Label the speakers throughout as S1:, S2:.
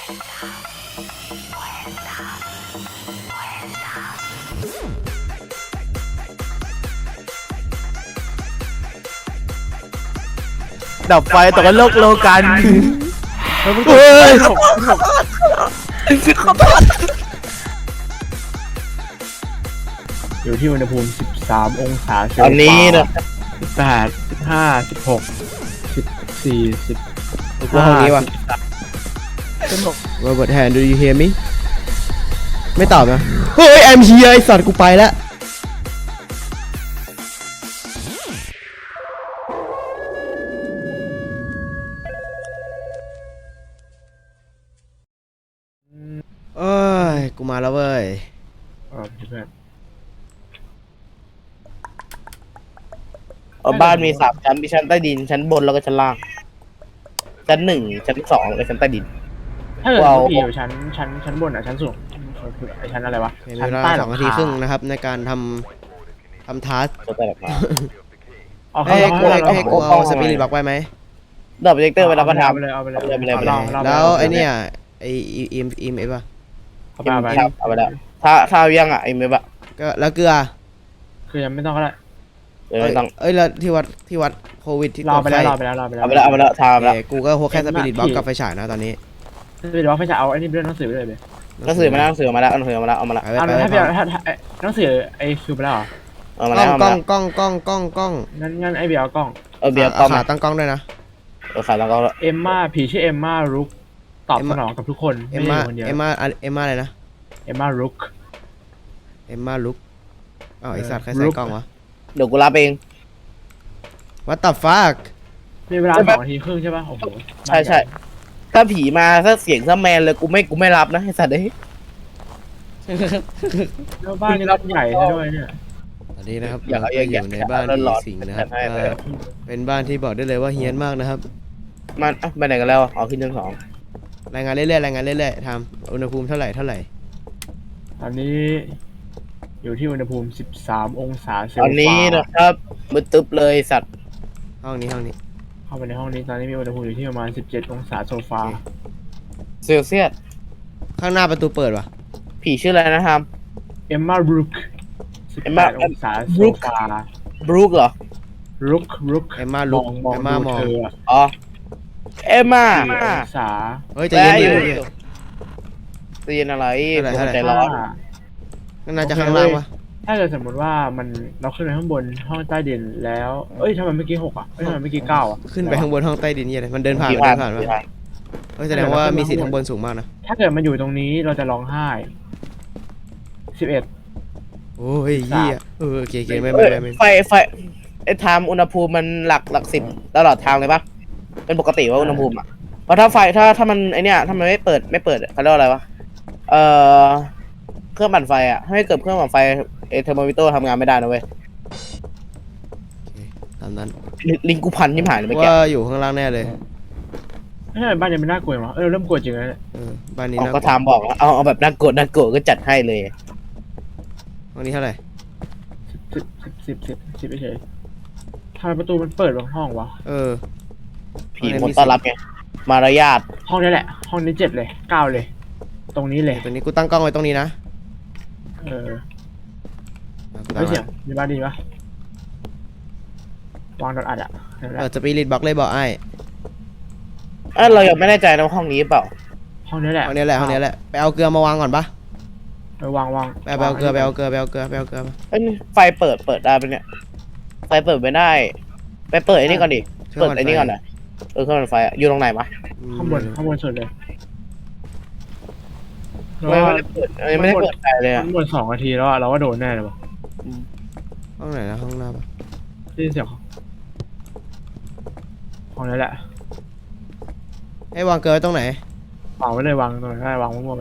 S1: ดับไฟตกกันโลกันเฮ้ย
S2: อยู่ที่อุณหภูมิ13องศาเซลเซียส
S1: ตอนนี้นะ
S2: 18 15 16 14
S3: กูห้องนี้ว่ะ Robert Hand do you hear me ไม่ตอบนะเฮ้ย I'm here ไอสัตว์กูไปแล้วเอ้ยกูมาแล้วเว้ย
S2: เพื่อน
S1: บ้านมี3 ชั้นมีชั้นใต้ดินชั้นบนแล้วก็ชั้นล่างชั้น 1 ชั้น 2และชั้นใต้ดิน
S2: ถ้าเกิด
S1: ว้าว
S2: พี่อยู่ชั้นบนอ่ะชั้นสูงคือไอชั้นอะไรวะ
S3: มี
S2: ชั้น
S3: เวลา
S2: ใต้
S3: 2 นาทีครึ่งนะครับในการทำทัส
S1: ชั้นใต้แบบมา
S2: เอา
S3: ให้
S2: เข้า
S3: ให้กูเอาสปิริตบล็อกไว้ไหม
S1: ดับโปรเจคเตอร์ไปแล้วก็ทำ
S2: ไปเลยเอาไปเลย
S1: เอาไปเลย
S3: แล้วไอเนี่ยไออีเอฟป่ะ
S2: เอาไป
S1: เอาไปแล้วถ้าเอายังอ่ะไอ้เมบะ
S3: ก็แล้วเกลือ
S2: คือยังไม่ต้องก็ได้
S1: ไม่ต้อง
S3: เอ้ยแล้วที่วัดโควิดที่
S2: รอไปแล้ว
S3: ไข้
S2: รอไปแล้ว
S1: เอาไปแล้วเอาไปแล้วทำแล้ว
S3: กูก็พกแค่สปิริตบล็อกกับไฟฉายนะตอนนี้
S2: คือเดี๋ยวว่าพี่จะเอาไอ้นี่เรื่องหนังสือไปเลย
S1: หนังสือมาแล้วหนังสือมาแล้วเอาหนังสือมาแล้วเอามาแล้ว
S3: ไป
S2: เอา
S3: ไป
S2: ถ้า
S3: ไป
S2: พี่ถ้าหนังสือไอ้คือไปแล้วเหรอ
S1: เอามาแล้วเอา
S3: กล้
S1: มา
S3: อง
S1: แล้ว
S3: กล้อง
S2: งั้นไอ้เบียร์เอากล้อง
S1: เอาเบียร์กล้อง
S3: ขาตั้งกล้องด้วยนะ
S1: ขายแล้วก็
S2: เอมมาผีชื่อเอมมารุกตอบสนองกับทุกคน
S3: เอ็
S2: ไม่
S3: ม
S2: ได้
S3: มา
S2: อยู่คนเดียว
S3: เอ็มมาอะไรนะ
S2: เอมมารุก
S3: เอ็มมาลุกอ้าวไอสัตว์ใคร
S2: ลุ
S3: ใส่
S2: ก
S3: กล้องวะ
S1: เดี๋ยวกูรับเอง
S3: What the fuck
S2: มีเวลา2 นาทีครึ่งใช่ป่ะโอ้โห
S1: ใช่ใช่ถ้าผีมาถ้าเสียงถ้าแมนเลยกูไม่รับนะไอ้สัตว์เอ้ย
S2: แล้วบ้านนี่รับใหญ่ซะด้วยเนี่ย
S3: ตอนนี้นะครับ
S1: อย่า
S3: เรา
S1: เอา
S3: ก็
S1: อย่า
S3: อยู่ในบ้าน
S1: อย่า
S3: ผี
S1: ร้อน
S3: สิง
S1: ๆ
S3: นะครับ
S1: ให้ไป
S3: เป็นบ้านที่บอกได้เลยว่าเฮี้ยนมากนะครับ
S1: มันไปไหนกันแล้วอ๋อขึ้นชั้น 2
S3: รายงานเรื่อยๆทำอุณหภูมิเท่าไหร่
S2: ตอนนี้อยู่ที่อุณหภูมิ13องศาเซล
S1: ตอน
S2: เซียส
S1: นี้นะครับมืดตึ๊บเลยสัตว์
S3: ห้องนี้
S2: เข้าไปในห้องนี้ตอนนี้มีอุณหภูมิอยู่ที่ประมาณ17องศาโซฟา
S1: เซลเซียส
S3: ข้างหน้าประตูเปิดวะ
S1: ผีชื่ออะไรนะครับ
S2: เอมมารุก
S1: Emma
S2: 18องศาโซฟา
S1: บรูคเหรอ
S2: รุก
S3: เอ็มมาลุก
S2: มอง
S3: เอ็มมาม
S2: ดู
S3: อง
S2: เธออะ
S1: อ๋อเอมมา
S2: 4องศา
S3: เฮ้ยใจะเย็นดิ
S1: ตีนอะไร
S3: เท่าไหร่
S1: ใจร้อน
S3: นั่นน่าจะข้างล่างวะ
S2: ถ้าเกิดสมมติว่ามันเราขึ้นไปข้างบนห้องใต้ดินแล้วเอ้ยทำไมเมื่อกี้6อ่ะเอ้ยทำไมเมื่อกี้9อ่ะ
S3: ขึ้นไปข้างบนห้องใต้ดินเนี่ยเลยมันเดินผ่าน
S1: ผี
S3: วะ
S1: ผีผ่าน
S3: เฮ้ยแสดงว่ามีสิทธิ์ข้างบนสูงมากนะ
S2: ถ้าเกิดมันอยู่ตรงนี้เราจะร้องไห้11
S3: โอ้ยเหี้ยโอเคไม่
S1: ไฟไอ้ไทม์อุณหภูมิมันหลัก10ตลอดทางเลยปะเป็นปกติว่าอุณหภูมิอ่ะเพราะถ้าไฟถ้ามันไอเนี้ยถ้ามันไม่เปิดเขาเรียกว่าอะไรวะเครื่องปั่นไฟอ่ะให้เกิดเครื่องปั่นไฟเทอร์โมมิเตอร์ทำงานไม่ได้นะเว้ย
S3: ตามนั้น
S1: ลิงกูพันยิ่งหายเลยเมื่อกี้
S3: ว่าอยู่ข้างล่างแน่เลย
S2: ไม่ใช่บ้านยังไม่น่ากลัวมั้งเริ่มกลัวจริงแล้วเนี่ย
S3: บ้านนี้
S1: เอา
S3: นะ
S1: ก็ทำบอกว่าเอาแบบน่ากลัวก็จัดให้เลย
S3: ห้องนี้เท่าไหร่
S2: 10เฉยทำไมประตูมันเปิดบางห้องวะ
S1: ผีคนต้อนรับไงมารยาท
S2: ห้องนี้แหละ ห้องนี้7เลย9เลย ตรงนี้เลย
S3: ตรงนี้กูตั้งกล้องไว้ตรงนี้นะ
S2: ไม่เสียงมีบ้านดีปะวางดอทอัดอ่ะเห็นไหม
S3: สปิริตบล็อกเลยบอกไอ้
S1: เรายังไม่แน่ใจนะว่าห้องนี้เปล่า
S2: ห้องนี้แหละ
S3: ห้องนี้แหละไปเอาเกลือมาวางก่อนปะ
S2: วาง
S3: ไปเอาเกลือมา
S1: ไฟเปิดได้ปะเนี่ยไฟเปิดไม่ได้ไปเปิดไอ้นี่ก่อนดิเปิดไอ้นี่ก่อนนะเครื่องปั่นไฟอยู่ตรงไหนวะ
S2: ข้างบนสุดเลย
S1: ไม่ได้เปิดไฟเลยอ่ะ
S2: ข้างบน2 นาทีแล้วเราก็โดนแน่เลยวะ
S3: ห้องไหนนะห้องหน้าปะ
S2: ได้ยินเสียงห้องนี้แหละ
S3: ให้วางเกลือตรงไหน
S2: วางไว้เลยวางตรงไหนได้วางมั่วๆไป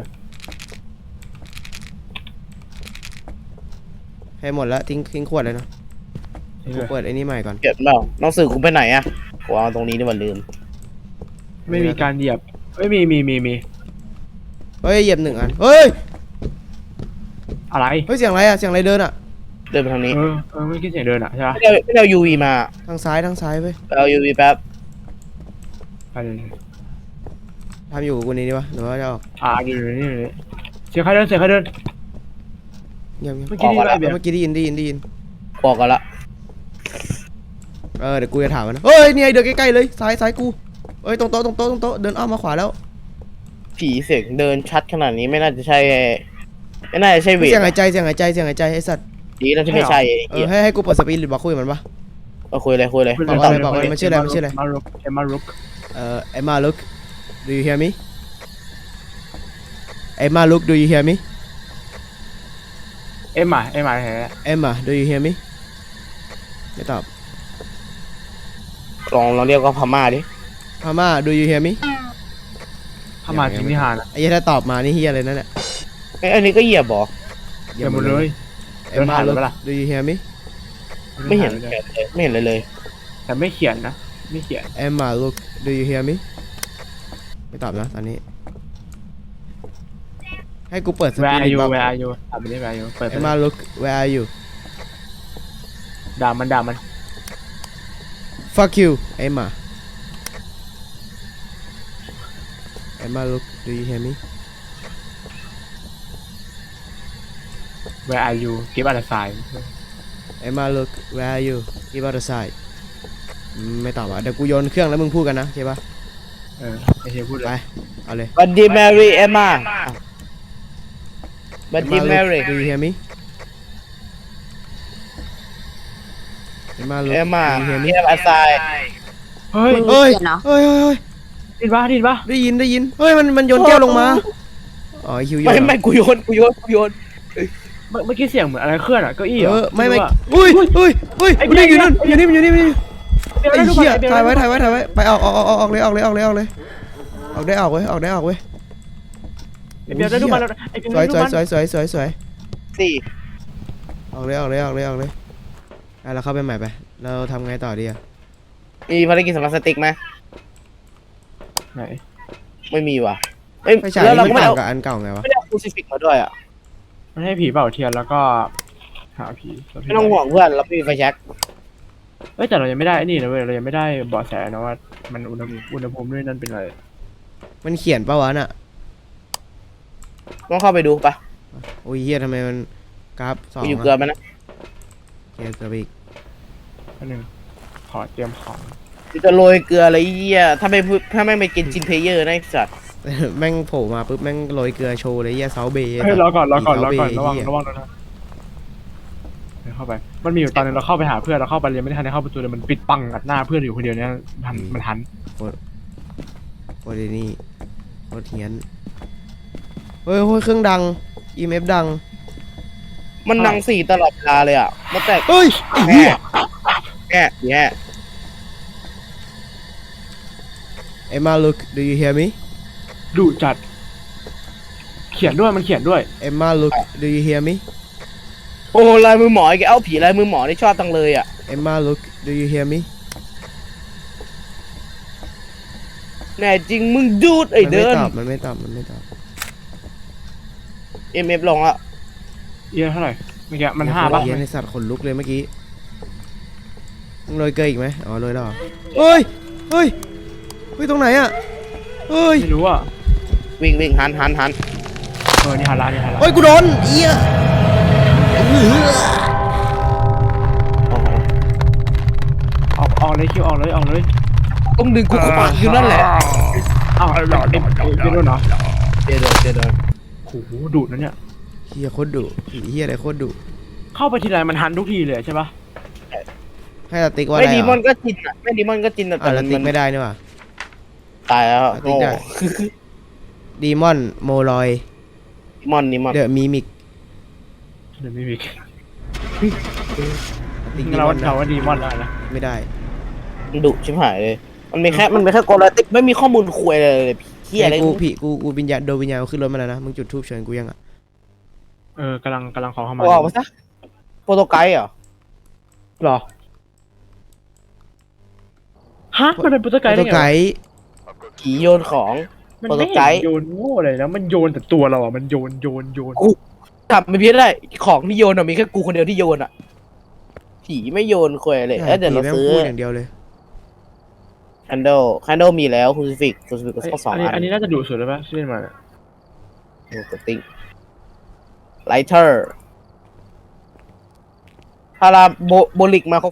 S3: ให้หมดแล้วทิ้งขวดเลยนะกูเปิดไอ้นี่ใหม่ก่อน
S1: เก็บเปล่าน้องสื่อกูไปไหนอ่ะกูเอาตรงนี้นี่มันลืม
S2: ไม่มีการเหยียบไม่มี
S3: เฮ้ยเหยียบ1 อันเฮ้ย
S2: อะไร
S3: เสียงอะไรอะเสียงอะไรเดินอะ
S1: เดินไปทางนี้
S2: ไม่คิดเสียงเดินอ่ะใช่ปะ
S1: ไม่ได้เอา UV มา
S3: ทางซ้ายเว้ย
S1: เอา UV แป๊บ
S2: ไปเลย
S3: ททำอยู่กับกูนี่วะหรือว่าจะออก
S2: อยู่นี่เสียงใครเดิน
S3: เงียบๆ
S2: เมื่อกี้ได้ยินไหมเบียร์
S3: เมื่อกี้ได้ยิน
S1: บอกกันละ
S3: เดี๋ยวกูจะถามมันนะเฮ้ยเนี่ยเดินใกล้ๆเลยซ้ายกูเอ้ยตรงโต๊ะเดินอ้อมมาขวาแล้ว
S1: ผีเสียงเดินชัดขนาดนี้ไม่น่าจะใช่เวท
S3: เสียงหายใจไอ้สัตว์
S1: ดีแล้วที่ไม่ใช่ไอ้เหี้ย
S3: ให้กูเปิดสปีดหรือบอกคุยกับมันปะ
S1: คุยเลย
S3: บอกเลยมันชื่ออะไร
S2: มารุก
S3: Emma look do you hear me Emma look do you hear me
S2: เอ็มมาแท้
S3: Emma do you hear me ไม่ตอบ
S1: ลองเรียกว่าพม่าดิ
S3: พม่า do you hear me
S2: เข้ามาจริงที่หานะ
S3: ไอ้เหี้ยถ้าตอบมานี่เฮียอะไรนั่นแหละ
S1: อันนี้ก็เหยียบบอก
S2: เดี๋ยวหมดเลย
S3: เอ็ม
S2: เดินผ่าน
S3: look
S2: ไปปะล่ะ
S3: do you hear me
S1: ไม่เห็นเลย
S2: แต่ไม่เขียนนะไม่เขียน
S3: Emma look do you hear me ไม่ตอบนะตอนนี้ ให้กูเปิดส
S2: Where
S3: ปี
S2: are
S3: ด
S2: you
S3: บอก
S2: Where are you ถามไปได้ Where are you เปิดไป
S3: Emma look where are you
S2: ด่ามัน
S3: fuck you Emma Emma look do you hear me
S2: Where are you give us a sign
S3: Emma look where are you give out a sign ไม่ตอบอ่ะเดี๋ยวกูโยนเครื่องแล้วมึงพูดกันนะโอเคปะ
S2: ไอ้เฮียพูดเล
S3: ไป
S2: ย
S3: เอาเลย
S1: บัดดี้แมรี่เอมมาบัดดี้
S3: Emma
S1: แม
S3: look
S1: รี่
S3: do you hear me Emma look
S1: เอมมา
S3: do you hear me
S1: เฮียอาไซ
S2: เฮ้ย
S3: เฮ้ย
S4: เขียนเหรอ
S3: เฮ้ย
S2: ดินปะ
S3: ได้ยินเฮ้ยมันโยนแก้วลงมาอ๋อไอ้คิวโยนเหรอ
S1: ไม่กูโยน
S2: เมื่อกี้เสียงเหมือนอะไรเคลื่อนอ่ะเก้าอี้เหรอ
S3: ไม่
S2: รู้อะ
S3: อุ้ย
S2: ไอ้
S3: มันอยู่นั่น
S2: ไอ้
S3: อยู่นี่ไอ้
S2: เดี๋ยว
S3: เหี้ย
S2: เดี๋ยว
S3: ถ่ายไว้ไปออกเลยออกได้ออกเว้ย
S2: ไอ้เบียร์ได้ดูมันแล้วไอ้เบียร์
S3: สวย
S2: ได้ดูมัน
S3: สวย
S1: สี่
S3: ออกเลยเราเข้าไปใหม่ไปเราทำไงต่อดีอะ
S1: มีภารกิจสำหรับสติ๊กไหม
S2: ไหน
S1: ไม่มีว่ะเอ้ย
S3: ไฟฉาย
S1: แล้ว
S3: นี่
S1: เรา
S3: มัน
S1: ก็ไม่
S3: ต่า
S1: เอา
S3: งกับอันเก่าไงวะ
S1: ไม่ได้เอาคูซิฟิกมาด้วยอ่ะ
S2: มันให้ผีเป่าเทียนแล้วก็หาผี
S1: ไม่ต้องห่วงเพื่อนเราไม่มีไฟแช็ก
S2: เอ้ยแต่เรายังไม่ได้ไอ้นี่นะเว้ยเรายังไม่ได้เบาะแสนะว่ามันอุณหภูมิด้วยนั่นเป็นอะไร
S3: มันเขียนปะวะน่ะ
S1: ต้องเข้าไปดูปะ
S3: โอ้ยเฮียทำไมมันกราฟ2
S1: ไปอยู่เกลือมันนะ
S3: เกลืออีก
S2: อันหนึ่งขอเตรียมของ
S1: จะโรยเกลืออะไรเยี่ยถ้าไม่ไปกินจินเพลเยอร์นะไอ้สัตว์
S3: แม่งโผล่มาปุ๊บแม่งโรยเกลือโชว์เลยเฮียเซาเบย์
S2: เฮ้ยรอก่อนระวัง
S3: เดี๋ยว
S2: นะเข้าไปมันมีอยู่ตอนนึงเราเข้าไปหาเพื่อนเราเข้าไปเลยไม่ได้ทันได้เข้าประตูเลยมันปิดปังอัดหน้าเพื่อนอยู่คนเดียวเนี่ยมันทัน
S3: โอ้ยนี่โคตรเฮียนเฮ้ยเครื่องดัง EMF ดัง
S1: มันนังสี่ตลอดเวลาเลยอ่ะมันแตก
S3: เฮ้ยไอ้เหี้ย
S1: แง่
S3: Emma look do you hear me
S2: ดุจัดเขียนด้วยมันเขียนด้วย
S3: Emma look do you hear me
S1: โอ้ลายมือหมออีกเอาผีลายมือหมอนี่ชอบตังเลยอ่ะ
S3: Emma look do you hear me
S1: แน่จริงมึงดูดไอ้เดิน
S3: มันไม่ตอบ
S1: MF ลงอ่ะ
S2: เอียเท่าไหร่เมื่อกี้มัน5ป่ะ
S3: เฮียในสัตว์ขนลุกเลยเมื่อกี้มึงโรยเกลืออีกไหมอ๋อโรยแล้วเหรอเฮ้ยตรงไหนอะเฮ้ย
S2: ไม่รู้อ่ะ
S1: วิ่งหัน
S2: นี่ฮารานี่ฮารา
S3: เฮ้ยกูโดนเอี้ย
S2: ออกเลยคิวออกเลย
S1: ต้องดึงกูเข้าปากอยู่นั่นแหละ
S2: อ้าวเป็นโดนเหรอ
S1: เจโดน
S2: โอ้โหดุนะเนี่ย
S3: เฮียโคตรดุผีเฮียอะไรโคตรดุ
S2: เข้าไปทีไรมันทันทุกทีเลยใช่ปะ
S3: ให้สติ๊กว่าอะ
S1: ไม่
S3: ไร
S1: ดีมอน
S3: อ่ะ
S1: ก็จินอ่ะไม่ดีมอนก็จินแต่
S3: สติ๊กไม่ได้นี่หว่า
S1: ตายแล้ว
S3: สติ๊กได้ดีมอนโมลอย
S1: มอนนี่มอน
S3: เดอะมิมิก
S2: เดี๋ยวไม่มี
S3: สติ๊กดี
S2: เรา
S3: มอน
S2: เราว่าดีมอนได้นะ
S3: ไม่ได้
S1: ดุชิบหายเลยมันมีแค่โกลาติกไม่มีข้อมูลคุยเลยเฮียอะไร
S3: กูวิญญาณโดนวิญญาณขึ้นรถมาแล้วนะมึงจุดทูบเชิญกูยังอ่ะ
S2: กำลังขอเข้ามา
S1: ออกมาซะโปรโตไกด์เหรอ
S2: หรอฮะมันเป็นโปรโตไกด์
S3: ตั
S2: ได้
S3: ว
S2: ไง
S3: ไกด์
S1: ผีโยนของ
S2: มัน
S1: โปรโต
S2: ไม่
S1: ไก
S2: เห็น
S1: ด์
S2: โยนโง่เลยนะมันโยนแต่ตัวเราอ่ะมันโยน
S1: จับไม่พี้ได้ของที่โยนอ่ะมีแค่กูคนเดียวที่โยนอ่ะผีไม่โยนคุยเลยเดี๋ยวเรา
S3: ผีแม่ง
S1: ซื้อ
S3: พูดอย่างเดียวเลย
S1: candle มีแล้ว crucifix ก็สักสอง
S2: อันนี้น่าจะดุสุดแล้วปะที่เล่นมาเนี่ย
S1: กดติ้ง lighter พาราโบลิกมาครบ